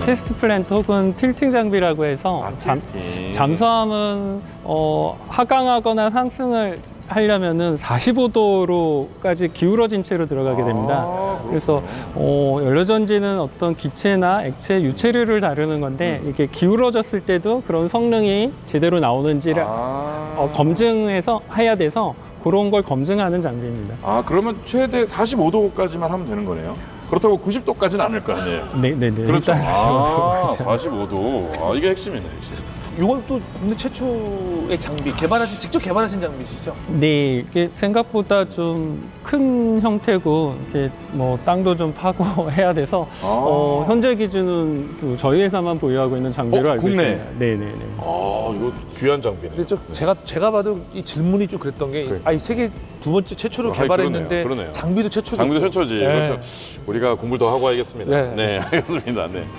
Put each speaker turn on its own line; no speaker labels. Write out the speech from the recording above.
테스트 플랜트 혹은 틸팅 장비라고 해서 잠수함은 하강하거나 상승을 하려면은 45도로까지 기울어진 채로 들어가게 됩니다. 그래서 연료전지는 어떤 기체나 액체, 유체류를 다루는 건데 이게 기울어졌을 때도 그런 성능이 제대로 나오는지를 검증해서 해야 돼서 그런 걸 검증하는 장비입니다.
아, 그러면 최대 45도까지만 하면 되는 거네요? 그렇다고 90도까지는 않을 거 아니에요?
네네네.
그렇죠.
일단
아, 45도. 아, 이게 핵심이네, 핵심.
이건 또 국내 최초의 장비, 직접 개발하신 장비시죠?
네, 이게 생각보다 좀 큰 형태고 이렇게 뭐 땅도 좀 파고 해야 돼서 현재 기준은 그 저희 회사만 보유하고 있는 장비로 알고
국내?
있습니다. 네네네.
아, 이거 귀한 장비네.
근데 제가 봐도 이 질문이 좀 그랬던 게,
그래.
이 세계 두 번째 최초로
아,
개발했는데
그러네요.
장비도 최초죠.
장비도 최초지.
네.
그렇죠. 우리가 공부를 더 하고 와야겠습니다.
네,
네, 알겠습니다. 네.